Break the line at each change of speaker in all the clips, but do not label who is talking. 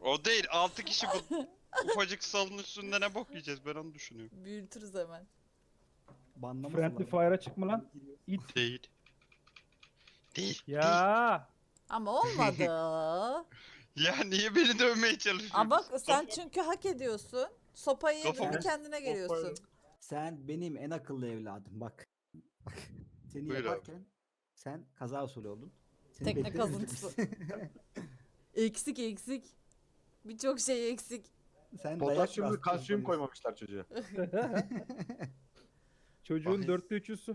O değil 6 kişi bu ufacık salın üstünde ne bok yiyeceğiz ben onu düşünüyorum.
Büyütürüz hemen.
Banlamasınlar.
Friendly Fire'a çıkma lan. İt.
Değil. Değil. Değil.
Ya.
Ama olmadı.
Ya niye beni dövmeye çalışıyorsun?
Ama bak sen çünkü hak ediyorsun. Sopayı yedin
Kafamı-
mi kendine geliyorsun.
Sen benim en akıllı evladım bak. Bak. Seni
Buyur abi.
yaparken sen kaza usulü oldun. Seni
Tekne
beklememiştim.
kazıntısı. Eksik eksik. Birçok şey eksik.
Sen
Potasyum ve
dayak
kalsiyum
bastın.
koymamışlar çocuğa.
Çocuğun
Bakayım.
4'te 3'ü su.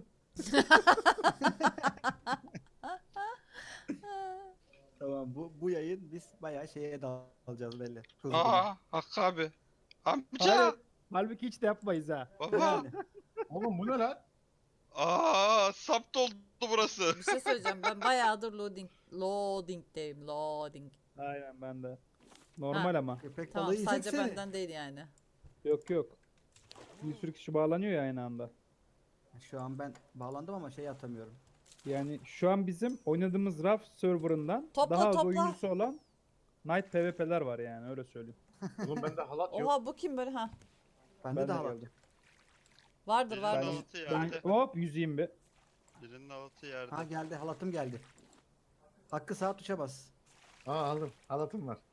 Tamam bu yayın biz bayağı şeye dalacağız belli. Hızlı.
Aa Hakkı abi. Amca.
Hayır. Halbuki hiç de yapmayız ha.
Baba.
Yani.
Oğlum bu ne lan?
Aa sap doldu burası.
Bir şey söyleyeceğim. Ben bayağıdır loading'deyim. Loading.
Aynen ben de. Normal ama.
Köpek
Tamam
balığı
sadece
yiyeceksene.
benden değil yani.
Yok yok. Bir sürü kişi bağlanıyor ya aynı anda.
Şu an ben bağlandım ama şey atamıyorum.
Yani şu an bizim oynadığımız RAF serverından
Topla,
daha az
topla.
oyuncusu olan Night PvP'ler var yani öyle söyleyeyim.
Oğlum bende halat yok.
Oha bu kim böyle ha?
Bende
Ben
de
de
halat.
geldim.
Vardır
Birinin
vardır.
altı
Ben
yerde.
hop yüzeyim bir.
Birinin altı yerde.
Ha geldi halatım geldi. Hakkı sağ tuşa bas.
Aa aldım. Halatım var.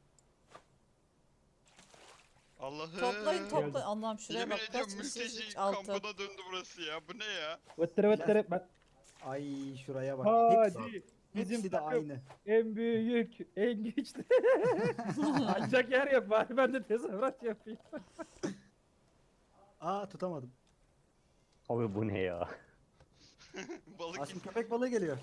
Allah'ım.
Toplayın toplayın. Allah'ım şuraya
Yemin
bak
ediyorum
kaç kişi
mülteci
altı.
kampına döndü burası ya. Bu ne ya?
Vıttırı vıttırı. Ben...
Ay şuraya bak.
Hadi. Bizim
Hepsi de
takım
aynı.
en büyük, en güçlü. Ancak yer yap bari ben de tezahürat yapayım.
Aa tutamadım.
Abi bu ne ya?
Balık
Aslında köpek balığı geliyor.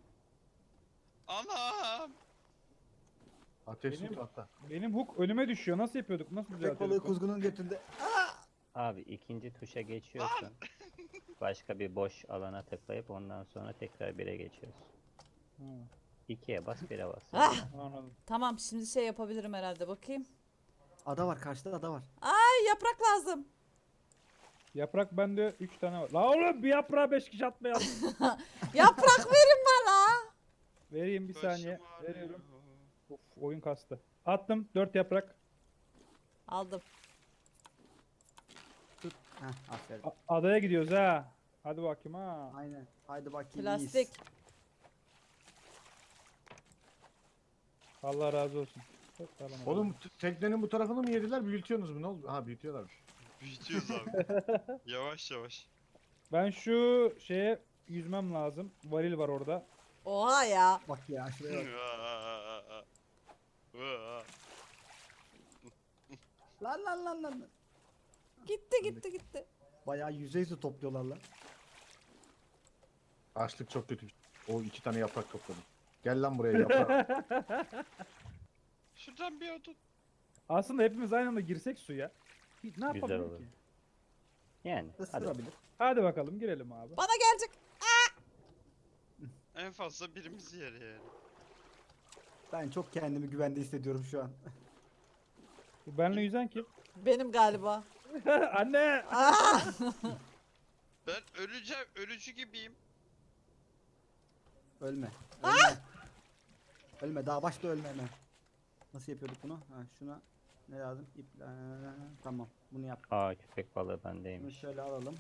Anam.
Ateş
Benim-
tut hatta.
Benim hook önüme düşüyor. Nasıl yapıyorduk? Nasıl
Köpek
düzeltiyorduk?
balığı
onu?
kuzgunun götünde.
Abi ikinci tuşa geçiyorsun. Başka bir boş alana tıklayıp ondan sonra tekrar 1'e geçiyorsun.
Ha,
2'ye bas 1'e bas.
Ah,
anladım.
tamam şimdi şey yapabilirim herhalde bakayım.
Ada var karşıda ada var.
Ay yaprak lazım.
Yaprak bende 3 tane var. La oğlum bir yaprağa 5 kişi atmayalım.
Yaprak verin bana.
Vereyim bir saniye.
Başım ağrıyor.
Veriyorum. Of oyun kastı. Attım 4 yaprak.
Aldım.
Tut. Heh aferin.
Adaya gidiyoruz ha. Hadi bakayım ha.
Aynen. Haydi bakayım.
Plastik.
iyiyiz.
Allah razı olsun. Çok sağlam oldu.
Oğlum teknenin bu tarafını mı yediler? Büyütüyorsunuz mu? Ne oldu? Ha büyütüyorlarmış.
Büyütüyoruz abi. Yavaş yavaş.
Ben şu şeye yüzmem lazım. Varil var orada.
Oha ya.
Bak ya şuraya bak. Lan.
Gitti.
Bayağı yüzey su topluyorlar lan.
Açlık çok kötü. O 2 tane yaprak topladım. Gel lan buraya yaprak.
Şuradan bir odun.
Aslında hepimiz aynı anda girsek suya. Ne yapabilir
olur.
ki?
Yani hadi.
Isırabilir.
Hadi bakalım girelim abi.
Bana gelecek.
En fazla birimiz yer yani.
Ben çok kendimi güvende hissediyorum şu an.
Bu benle yüzen kim?
Benim galiba.
Anne!
Ben öleceğim. Ölücü gibiyim.
Ölme. Ölme. Ölme. Daha başta ölme hemen. Nasıl yapıyorduk bunu? Ha şuna ne lazım? İp. Tamam. Bunu yap.
Aa köpek balığı
Bunu
bendeymiş.
şöyle alalım.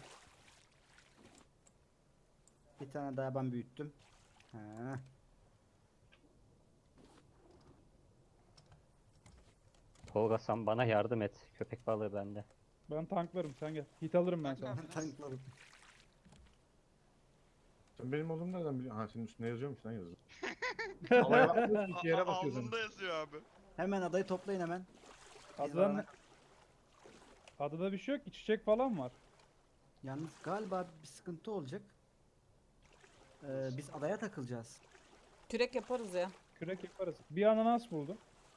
Bir tane daha ben büyüttüm. Ha.
Tolga sen bana yardım et. Köpek balığı bende.
Ben tanklarım sen gel. Hit alırım ben sana.
Tanklarım.
Sen benim olduğumu nereden biliyorsun? Ha senin üstüne yazıyormuş lan yazı. Havaya bakmıyorsun, iki yere bakıyorsun.
Alnında yazıyor abi.
Hemen adayı toplayın hemen.
Adadan ne? Adada bir şey yok. İçecek falan var.
Yalnız galiba bir sıkıntı olacak. Biz adaya takılacağız.
Kürek yaparız ya.
Kürek yaparız. Bir ananas buldum.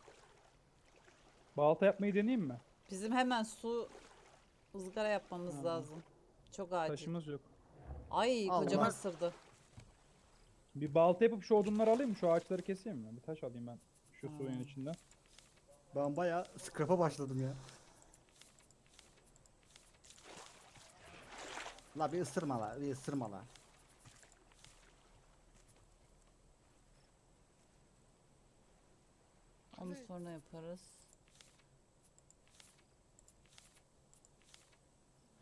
Balta yapmayı deneyeyim mi?
Bizim hemen su ızgara yapmamız
Ha.
lazım. Çok acil.
Taşımız yok.
Ay
Allah.
kocama ısırdı.
Bir balta yapıp şu odunları alayım mı? Şu ağaçları keseyim mi? Bir taş alayım ben. Şu suyun içinden.
Ben bayağı scrap'a başladım ya. La bir ısırma la, bir ısırma la.
Onu sonra yaparız.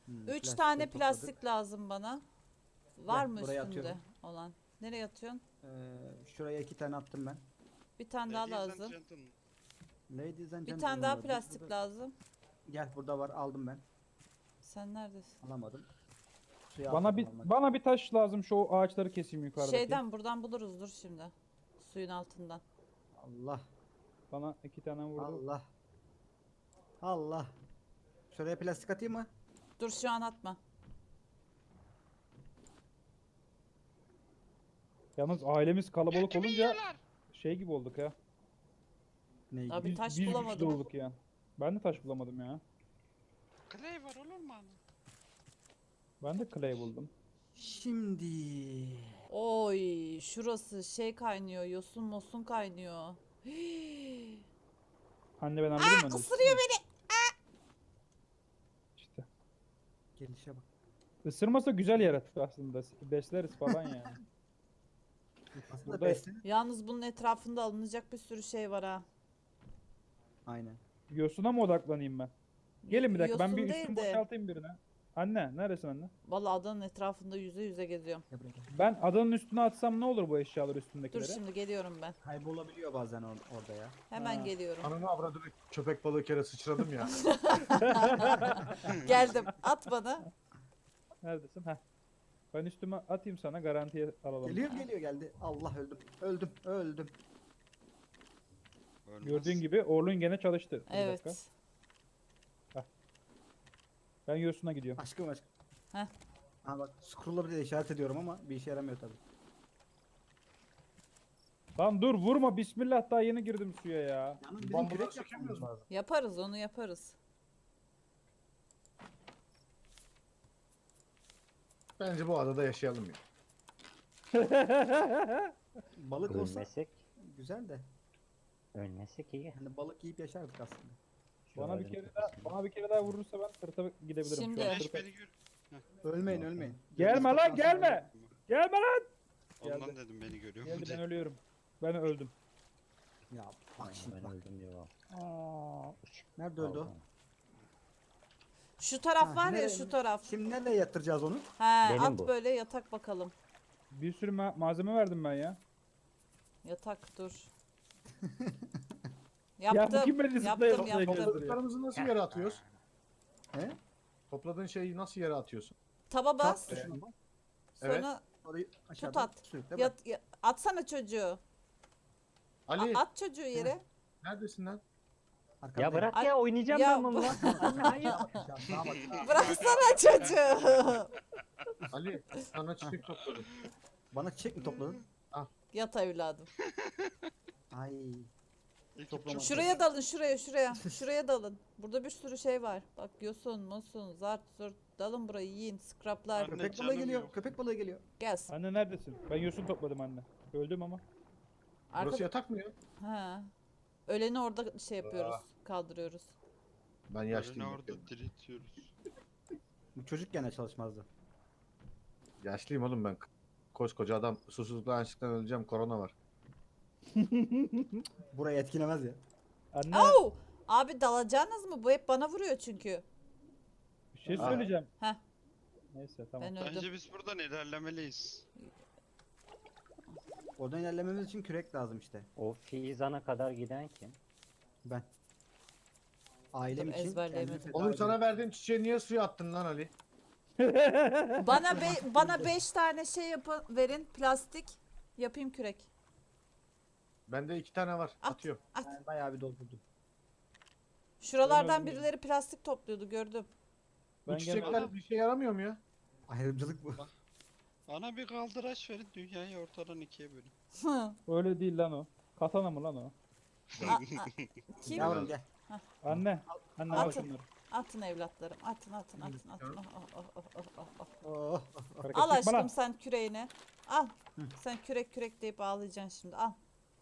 3
plastikleri
tane
topladık.
plastik lazım bana. Var
Gel,
mı
buraya
üstünde
atıyorum.
olan? Nereye atıyorsun?
Şuraya 2 tane attım ben.
Bir tane daha
Ladies and
lazım.
gentlemen.
Ladies and
Bir tane daha
gentlemen,
plastik
burada-
lazım.
Gel burada var, aldım ben.
Sen neredesin?
Alamadım. Suya
Bana
atladım
bir
almak.
bana bir taş lazım, şu ağaçları keseyim yukarıdaki.
Şeyden buradan buluruz dur şimdi. Suyun altından.
Allah
Bana 2 tane vurdu.
Allah. Allah. Şuraya plastik atayım mı?
Dur şu an atma.
Yalnız ailemiz kalabalık
Götümü
olunca
yiyorlar.
şey gibi olduk ya.
Ne
Abi
gibi?
taş
biz güçlü
bulamadım.
olduk ya. Ben de taş bulamadım ya.
Clay var olur mu ana?
Ben de clay buldum.
Şimdi.
Oy şurası şey kaynıyor. Yosun mosun kaynıyor.
Anne ben anladım ben.
Isırıyor beni.
İşte.
Gelişe bak.
Isırmasa güzel yaratık aslında. Besleriz falan yani.
Aslında
Burada-
beslenir.
Yalnız bunun etrafında alınacak bir sürü şey var ha.
Aynen.
Yosuna mı odaklanayım ben? Gelin bir dakika, ben bir
Yosun
üstümü
değil de-
boşaltayım birine. Anne neredesin anne?
Vallahi adanın etrafında yüze yüze geziyorum.
Gel buraya gel.
Ben adanın üstüne atsam ne olur bu eşyalar
Dur
üstündekileri?
şimdi geliyorum ben.
Kaybolabiliyor bazen orada ya.
Hemen
Ha.
geliyorum.
Ananı avradını köpek balığı kere sıçradım ya.
Geldim. At bana.
Neredesin? Heh. Ben üstüme atayım sana, garantiye alalım.
Geliyor geldi. Allah öldüm. Öldüm.
Ölmez.
Gördüğün gibi Orlun gene çalıştı. Bir
Evet.
dakika. Ben Yosun'a gidiyorum.
Aşkım.
Heh.
Ha bak scroll'la bir de işaret ediyorum ama bir işe yaramıyor tabii.
Lan dur vurma, bismillah, daha yeni girdim suya ya.
Yalnız bizim
Bambuları
kürek
sökemiyoruz
yapmamız
mu?
lazım.
Yaparız onu yaparız.
Bence bu adada yaşayalım ya.
Balık olsa
Ölmesek,
güzel de.
ölmesek iyi.
Hani balık yiyip yaşardık aslında.
Bana bir
Şuraların
kere daha,
tepesinde.
bana bir kere daha vurursa ben sırta gidebilirim.
Şimdi-
Şu an
Güneş
sırta-
beni gör.
Ölmeyin.
Gelme lan, gelme. Gelme lan.
Ondan
Geldi.
dedim beni görüyor mu
Geldi, ben
diye.
ölüyorum. Ben öldüm.
Ya bak şimdi
Ben
bak.
öldüm diyor.
Nerede öldü o?
Şu taraf
Ha,
var ya
nereye-
şu taraf.
Şimdi nereye yatıracağız onu?
He
Benim
at
bu.
böyle yatak bakalım.
Bir sürü malzeme verdim ben ya.
Yatak dur.
Ya bu
Yaptım.
kim beni zıplaya
Yaptım
zıplaya
yaptım.
gezdiriyor?
Topladıklarımızı nasıl yere atıyoruz?
He?
Topladığın şeyi nasıl yere atıyorsun?
Taba bas.
Tap tuşuna bak.
Evet.
Sonra
Orayı aşağıdan
at.
sürükle bak.
atsana çocuğu.
Ali
At çocuğu yere.
neredesin lan?
Arkanda
Ya bırak
Ay-
ya, oynayacağım
Ya
ben bununla. Anne hayır.
Sağa bak.
Bıraksana çocuğu.
Ali sana çiçek topladım.
Bana çiçek mi topladın?
Yat evladım.
Ay.
Ekip
Toplama.
çok-
Şuraya dalın şuraya. Şuraya dalın. Burada bir sürü şey var. Bak yosun, mosun, zart, zurt. Dalın burayı yiyin. Scraplar.
Anne,
Köpek balığı
canım
geliyor.
yok.
Köpek balığı geliyor.
Gelsin.
Anne neredesin? Ben yosun topladım anne. Öldüm ama.
Arka...
Burası yatak mı ya?
Ha. Öleni orada şey yapıyoruz. Kaldırıyoruz.
Ben
Ölünü
yaşlıyım.
orada diriltiyoruz.
Bu çocuk gene çalışmazdı.
Yaşlıyım oğlum ben. Koskoca adam susuzluktan açlıktan öleceğim, korona var.
Burayı etkilemez ya.
Anne
Au! Abi dalacağınız mı? Bu hep bana vuruyor çünkü.
bir şey
Aa.
söyleyeceğim.
Heh.
Neyse tamam.
Ben öldüm.
Bence biz buradan ilerlemeliyiz.
Oradan ilerlememiz için kürek lazım işte.
O Fizan'a kadar giden kim?
Ben. Ailem
Dur,
için
ezberleyemedim.
kendimi feda
Oğlum sana
ediyorum.
verdiğim çiçeği niye suya attın lan Ali?
Bana 5 tane şey yapın verin plastik. Yapayım kürek.
Bende 2 tane var.
At.
Atıyorum.
At.
Ben bayağı bir doldurdum.
Şuralardan
öldüm ya.
birileri plastik topluyordu gördüm.
Bu
Ben
çiçekler
gelmedim.
bir şey yaramıyor mu ya?
Ayrımcılık bu.
Bana bir kaldıraç verin, dünyayı ortadan ikiye bölün.
Öyle değil lan o. Katana mı lan o?
Kim?
Yavrum gel.
Anne. Anne al
Atın.
şunları.
Atın evlatlarım. Atın.
Oh.
Hareket
Al
etme lan.
aşkım sen küreğini. Al. Sen kürek deyip ağlayacaksın şimdi. Al.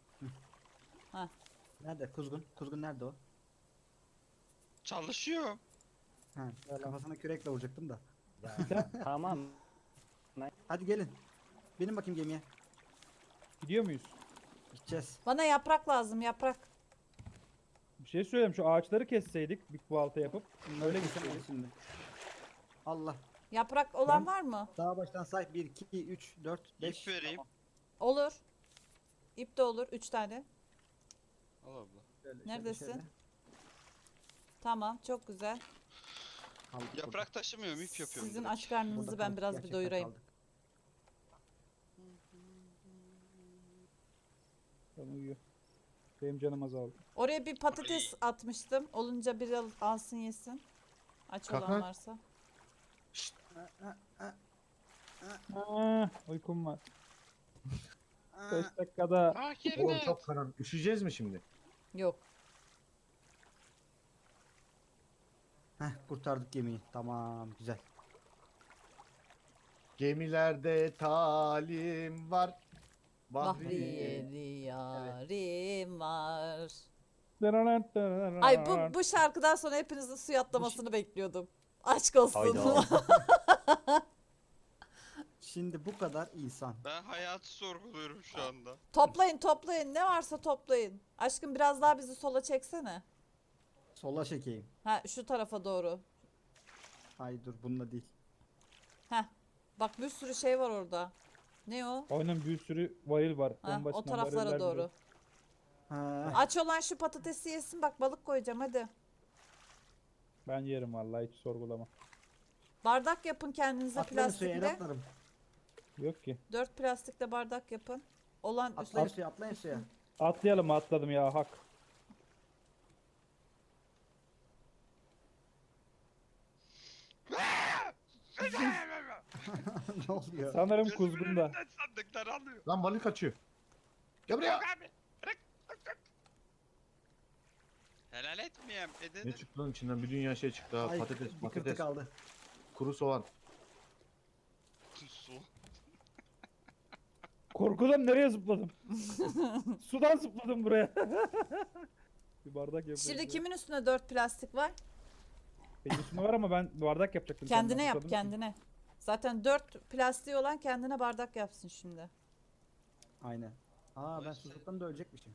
Nerede? Kuzgun. Kuzgun nerede o?
Çalışıyor.
Ha, kafasına kürekle vuracaktım da.
Tamam.
Hadi gelin. Benim bakayım gemiye.
Gidiyor muyuz?
Gideceğiz.
Bana yaprak lazım yaprak.
Bir şey söyleyeyim, şu ağaçları kesseydik bir balta yapıp öyle
Öyle
gitseydik.
şimdi. Allah.
Yaprak olan var mı?
Daha baştan say. 1, 2, 3, 4, 5.
İp vereyim.
Olur. İp de olur. 3 tane.
Al abla.
Neredesin? Tamam. Çok güzel.
Yaprak taşımıyorum, ip yapıyorum.
Sizin
direkt.
aç karnınızı ben biraz bir doyurayım.
Ben uyuyor. Benim canım azaldı.
Oraya bir patates atmıştım. Olunca bir alsın yesin. Aç
Kalk
olan
lan.
varsa.
Uykum var. 5 dakikada.
Ah
Oğlum
yerine.
çok karanlık. Üşüyeceğiz mi şimdi?
Yok.
Heh, kurtardık gemiyi. Tamam, güzel.
Gemilerde talim var.
Bahriyeli yarim var. Ay bu şarkıdan sonra hepinizin suya atlamasını bekliyordum. Aşk olsun.
Hayda.
Şimdi bu kadar insan.
Ben hayatı sorguluyorum şu anda.
Toplayın toplayın. Ne varsa toplayın. Aşkım biraz daha bizi sola çeksene.
Sola çekeyim.
Ha şu tarafa doğru.
Ay dur, bununla değil.
Heh. Bak bir sürü şey var orada. Ne o?
Aynen bir sürü varil var.
Ha,
En
o
başından
taraflara
variller
doğru.
bile.
Ha,
Aç olan şu patatesi yesin. Bak balık koyacağım hadi.
Ben yerim vallahi hiç sorgulama.
Bardak yapın kendinize
atlarım suya,
plastikle.
atlarım.
Yok ki.
4 plastikle bardak yapın. Olan
Atlayın
üstüne.
suya, atlayın suya.
Atlayalım atladım ya hak.
Ne oluyor?
Sanırım
Gözümün
kuzgunda.
önünden sandıklar alıyor.
Lan balık kaçıyor. Gel buraya.
Yok abi. Bırak. Helal etmeyeyim.
Ne
Edelim.
çıktı lan içinden? Bir dünya şey çıktı ha.
Ay,
Patates,
bir kırtık
patates,
aldı.
kuru soğan.
Su.
Korkudan nereye zıpladım? Sudan zıpladım buraya. Bir bardak yapıyorum.
Şimdi kimin üstüne 4 plastik var?
Benim üstüme var ama ben bardak yapacaktım.
Kendine
senden,
yap
susadım.
kendine. Zaten 4 plastiği olan kendine bardak yapsın şimdi.
Aynen. Aa, ben
Neyse.
susuzluktan da ölecekmişim.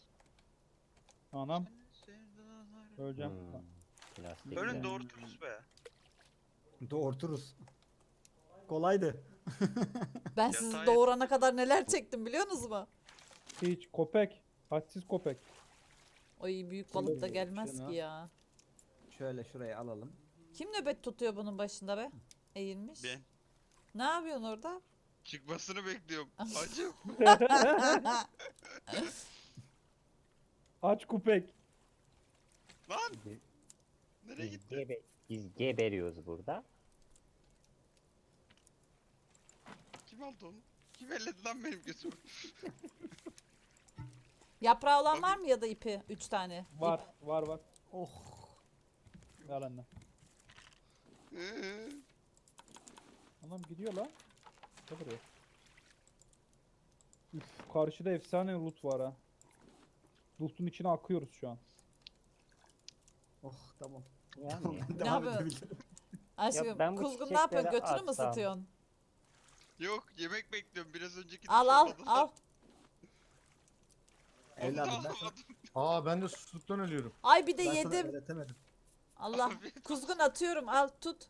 Anam öleceğim.
Plastik.
Ölün
de.
doğurturuz be.
Doğurturuz. Kolaydı.
Ben sizi
Yatağa
doğurana kadar neler çektim biliyorsunuz mu?
Hiç köpek. Hadsiz köpek.
Oy büyük balık da gelmez
Şunu.
ki ya.
Şöyle şuraya alalım.
Kim nöbet tutuyor bunun başında be? Eğilmiş.
Ben
Ne yapıyorsun orada?
çıkmasını bekliyorum. Acım.
Aç köpek.
Lan. Nereye gitti?
Biz geberiyoruz burada.
Kim aldı onu? Kim elledi lan benim gözümü?
Yaprağı olan var mı ya da ipi? 3 tane.
Var var.
Oh.
Ver anne. Anam gidiyor lan. Ne buraya? Üf, karşıda efsane loot var ha. Loot'un içine akıyoruz şu an.
Oh, tamam.
Yani.
Ben devam
yapıyorsun?
edebilirim.
Aşkım
ben bu
kuzgun ne yapıyorsun?
çiçekleri
Götünü mü
atsam.
ısıtıyorsun?
Yok yemek bekliyorum. Biraz önceki
Al al
dışarıda-
al.
Onu da
Evladım, ben sana-
alamadım.
Aa ben de susuzluktan ölüyorum.
Ay bir de
Ben sana
yedim.
öğretemedim.
Allah.
Afiyet
Kuzgun atıyorum al tut.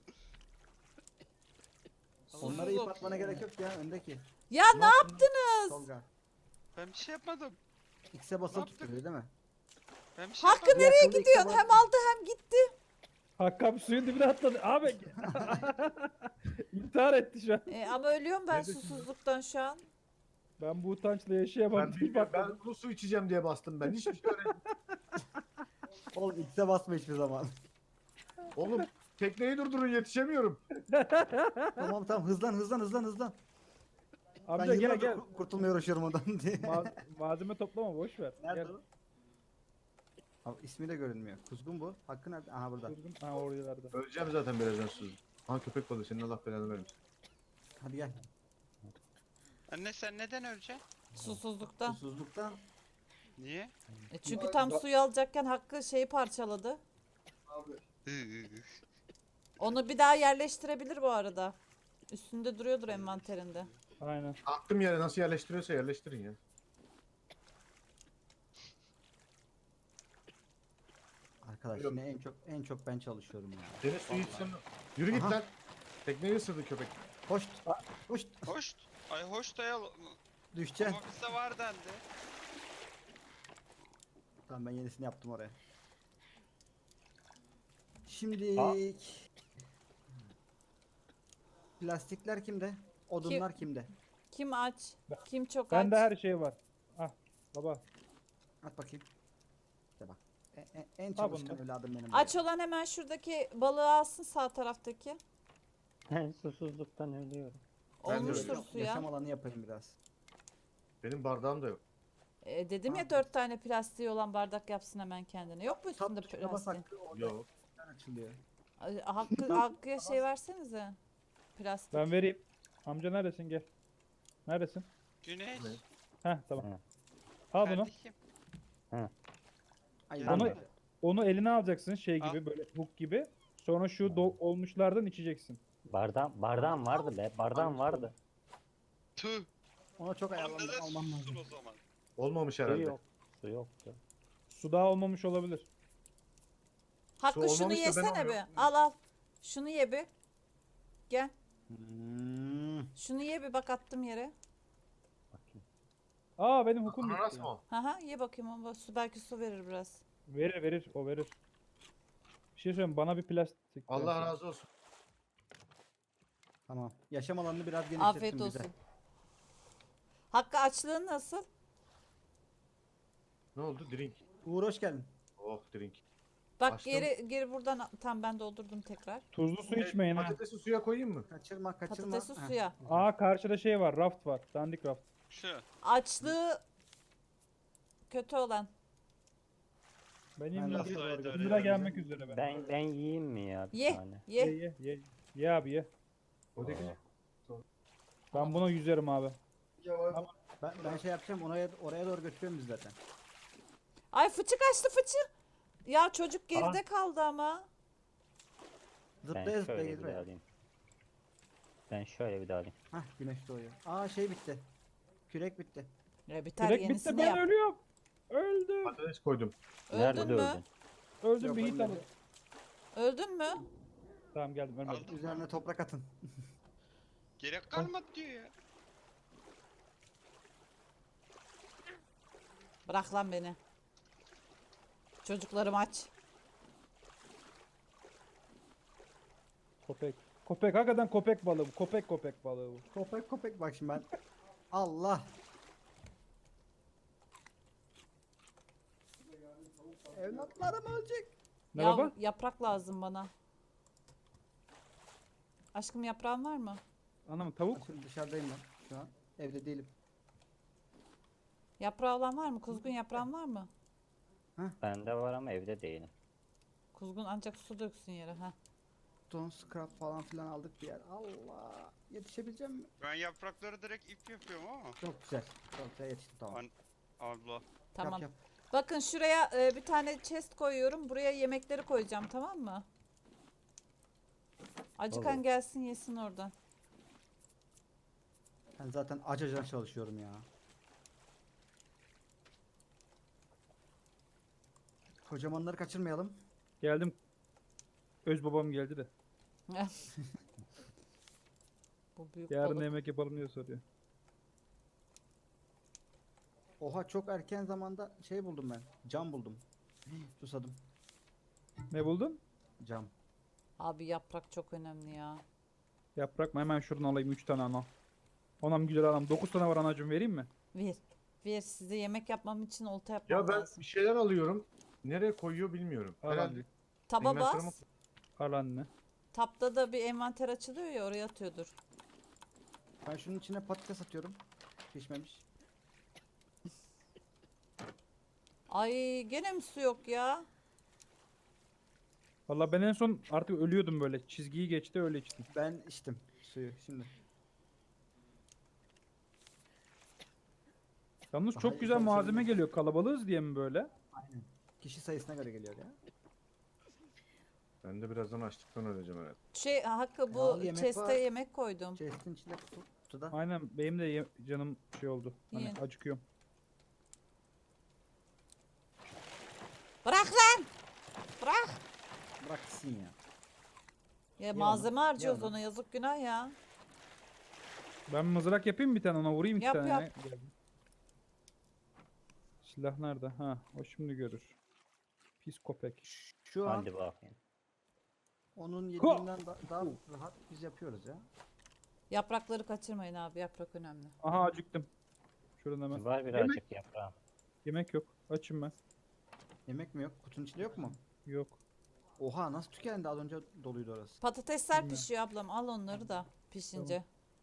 Onlara ip atmana gerek yok ya, öndeki.
Ya ne yaptınız?
Tolga.
Ben bir şey yapmadım.
X'e basılı
yaptık?
tutuyor değil mi?
Ben bir şey
Hakkı
yapmadım.
nereye
Yakında
gidiyorsun?
X'e
Hem aldı hem gitti.
Hakkı abi suyun dibine atladı. Abi. İntihar etti şu an.
Ama ölüyorum ben
Neredesin?
susuzluktan şu an.
Ben bu utançla yaşayamam.
Ben bilmiyorum. Ben kuru su içeceğim diye bastım ben. Hiçbir şey öğrenmedim.
Oğlum X'e basma hiçbir zaman.
Oğlum tekneyi durdurun yetişemiyorum.
Tamam hızlan.
Amca
Ben
gel
yıllardır
gel.
kurtulmaya uğraşıyorum ondan diye.
Malzeme toplama boş ver.
Nerede
Gel.
o? Abi, ismi de görünmüyor. Kuzgun bu. Hakkı nerede? Aha, burada.
Kuzgun. Ha oralarda.
Öleceğim zaten birazdan susuz. Aha köpek balığı senin Allah belanı vermesin.
Hadi gel.
Anne sen neden öleceksin?
Susuzluktan.
Susuzluktan.
Niye?
Çünkü tam suyu alacakken Hakkı şeyi parçaladı. Onu bir daha yerleştirebilir bu arada. Üstünde duruyordur envanterinde.
Aynen.
Attım yere nasıl yerleştiriyorsa yerleştirin ya.
Arkadaş
Yok.
yine en çok ben çalışıyorum ya.
Deniz suyu
Vallahi.
içsem Yürü git
Aha.
lan. Tekneyi ısırdı köpek.
Hoş. Hoş.
Hoş. Ay hoş da ya.
Düşeceksin.
Ama bizde var dendi.
Tamam ben yenisini yaptım oraya. Şimdi plastikler kimde? Odunlar kimde?
Kim aç? Kim çok
Bende
aç?
her şey var. Ah baba.
At bakayım. İşte bak. En
Ha,
çalışkan
bunda.
evladım benim.
Aç olan hemen şuradaki balığı alsın, sağ taraftaki.
Ben susuzluktan ölüyorum.
Ben de
Olmuştur
öyle.
suya.
Yaşam alanı yapayım biraz.
Benim bardağım da yok.
Dedim
Ha.
ya 4 tane plastiği olan bardak yapsın hemen kendine. Yok mu üstünde
Tap tuşuna bas
plastik?
hakkı orada
Yok.
açılıyor.
Hakkı'ya şey versenize. Plastik.
Ben vereyim. Amca neredesin gel. Neredesin?
Güneş.
Ne?
Heh tamam.
Hı.
Al bunu.
Kardeşim.
Ay,
Onu-
ben de-
Onu eline alacaksın şey
Al.
gibi böyle hook gibi. Sonra şu olmuşlardan içeceksin.
Bardağım vardı be. Bardağım vardı.
Tüh.
Ona çok
Lan
ayarlandım
neden
almam
sussun
lazım.
o zaman?
Olmamış
Su
herhalde.
yok. Su yoktu.
Su daha olmamış olabilir.
Hakkı
Su
şunu
olmamış da ben
yesene bir.
alıyorum.
Al al. Şunu ye bir. Gel.
Hmm.
Şunu ye bir, bak attım yere.
Bakayım.
Aa benim hookum
Ananas
bitti.
mı o?
Haha ye bakayım, ama su belki su verir biraz.
Verir o verir. Bir şey söyleyeyim bana bir plastik.
Allah
versene.
razı olsun.
Tamam. Yaşam alanını biraz genişlettim
Afiyet
bize.
olsun. Hakkı açlığın nasıl?
Ne oldu? Drink.
Uğur hoş geldin.
Oh drink.
Bak
Açtım.
geri buradan tam ben doldurdum tekrar.
Tuzlu su içmeyin ha.
Patatesi suya koyayım mı?
Kaçırma.
Patatesi
Heh.
suya.
Aa karşıda şey var raft var. Dandik raft.
Şu.
Açlığı kötü olan.
Benim
Ben
Nasıl
de-
öyle
1
öyle
lira
ya?
gelmek üzere ben.
Ben yiyeyim mi ya bir
Ye
tane?
Ye
ye.
ye ye. Ye abi ye.
O da güzel.
Ben buna yüzerim abi.
Ben şey yapacağım oraya doğru götürüyorum biz zaten.
Ay fıçı kaçtı fıçı. Ya çocuk geride kaldı ama.
Ben
Zıplaya zıplaya
şöyle bir
gidiyor.
daha alayım. Ben şöyle bir daha alayım.
Hah güneş doğuyor. Aa şey bitti. Kürek bitti.
Biter
Direkt bitti
yenisini
ben
yap.
ölüyorum. Öldüm.
Patates koydum.
Nerede
Öldün mü?
öldün?
Öldüm
Yok,
bir hit
ölmedim.
alın.
Öldün mü?
Tamam geldim ölmedim.
Aldım.
Üzerine toprak atın.
Gerek kalmadı diyor ya.
Bırak lan beni. Çocuklarım aç.
Köpek. Köpek hakikaten köpek balığı bu. Köpek balığı bu.
Köpek bak şimdi ben. Allah. Evlatlarım ölecek.
Ne
Ya,
baba?
yaprak lazım bana. Aşkım yaprağın var mı?
Anam tavuk.
Şimdi dışarıdayım ben şu an. Evde değilim.
Yaprağı olan var mı? Kuzgun yaprağın var mı?
Bende var ama evde değilim.
Kuzgun ancak su döksün yere. Ha.
Stone scrap falan filan aldık bir yer. Allah. Yetişebileceğim mi?
Ben yaprakları direkt ip yapıyorum ama.
Çok güzel. Çok güzel yetiştim tamam.
Abla.
Tamam.
Yap.
Bakın şuraya bir tane chest koyuyorum. Buraya yemekleri koyacağım, tamam mı? Acıkan
Olur.
gelsin yesin oradan.
Ben zaten acacan çalışıyorum ya. Kocamanları kaçırmayalım.
Geldim. Öz babam geldi de.
Bu büyük
Yarın
balık.
yemek yapalım diye soruyor.
Oha çok erken zamanda şey buldum ben. Cam buldum. Susadım.
Ne buldun?
Cam.
Abi yaprak çok önemli ya.
Yaprak mı? Hemen şuradan alayım 3 tane ana. Anam güzel anam. 9 tane var anacığım vereyim mi?
Ver. Ver, size yemek yapmam için olta yapmam
Ya ben
lazım.
bir şeyler alıyorum. Nereye koyuyor bilmiyorum.
Al
Herhalde
anne.
Taba
inventörüme
bas.
Al anne.
Tapta da bir envanter açılıyor ya, oraya atıyordur.
Ben şunun içine patates atıyorum. Pişmemiş.
Ay gene mi su yok ya?
Valla ben en son artık ölüyordum böyle. Çizgiyi geçti öyle içtim.
Ben içtim suyu şimdi.
Yalnız
Daha
çok
iyi
güzel malzeme
çalışabilirim.
geliyor. Kalabalığız diye mi böyle?
Aynen. Kişi sayısına göre geliyor ya.
Ben de birazdan açlıktan öleceğim herhalde.
Hakkı bu
al, yemek
chest'e
var.
yemek koydum.
Chest'in içinde kutuda.
Aynen benim de canım şey oldu. Hani
Yiyin.
acıkıyorum.
Bırak lan! Bırak!
Bırak gitsin ya.
Ya
onu,
malzeme
ye
harcıyoruz
onu.
ona, yazık günah ya.
Ben mızrak yapayım bir tane ona vurayım iki
Yap,
tane.
yap.
Geldim. Silah nerede? Ha, o şimdi görür. Pis köpek.
Şu an
Hadi bakayım.
onun yediğinden daha rahat biz yapıyoruz ya.
Yaprakları kaçırmayın abi, yaprak önemli.
Aha acıktım. Şuradan hemen.
Var birazcık yaprağım.
Yemek yok. Açım ben.
Yemek mi yok? Kutunun içinde yok mu?
Yok.
Oha nasıl tükendi, az önce doluydu orası.
Patatesler
Bilmiyorum.
pişiyor ablam, al onları da pişince.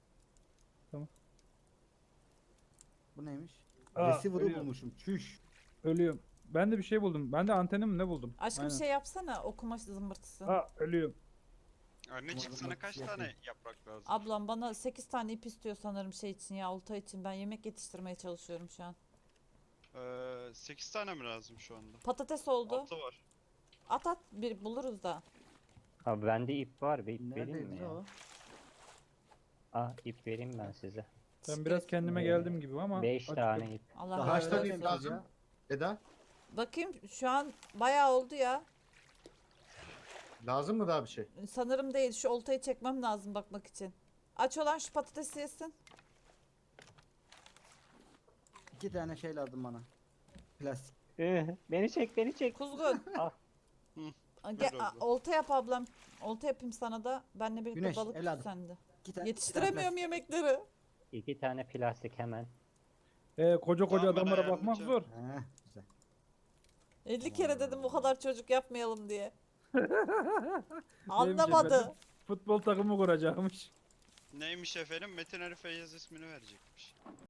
Bu neymiş?
Aa,
Receiver'ı
ölüyorum.
bulmuşum. Çüş.
Ölüyorum. Ben de bir şey buldum. Ben de antenim ne buldum?
Aşkım
Aynen.
şey yapsana, okuma zımbırtısı.
Aa ölüyorum.
Annecik
Umarım
sana
bak,
kaç
yapayım.
tane yaprak lazım?
Ablam bana 8 tane ip istiyor sanırım şey için ya, olta için. Ben yemek yetiştirmeye çalışıyorum şu an.
8 tane mi lazım şu anda?
Patates oldu.
6 var.
At at, bir buluruz da.
Abi bende ip var. Bir ip vereyim mi
Neredeydi
ya?
o?
Ah ip vereyim ben size.
Ben biraz kendime geldim gibi ama
5
acıktım.
tane ip.
Allah
Daha
Kaç
razı
kaç
tane
olsun.
tane
ip lazım?
ya?
Eda?
Bakayım şu an bayağı oldu ya.
Lazım mı daha bir şey?
Sanırım değil, şu oltayı çekmem lazım bakmak için. Aç olan şu patatesi yesin.
2 tane şey lazım bana. Plastik.
Beni çek beni çek.
Kuzgun.
Ah.
Gel,
Öyle oldu.
olta yap ablam. Olta yapayım sana da. Benle birlikte
Güneş,
balık tut
evladım.
sende.
2 tane.
Yetiştiremiyorum yemekleri.
2 tane plastik hemen.
Koca koca
Tamam, ben
adamlara bakmak
ayarlayacağım.
zor.
Heh, güzel.
50 kere dedim bu kadar çocuk yapmayalım diye.
Neymiş
Anlamadı.
efendim? Futbol takımı kuracakmış.
Neymiş efendim? Metin Ali Feyyaz ismini verecekmiş.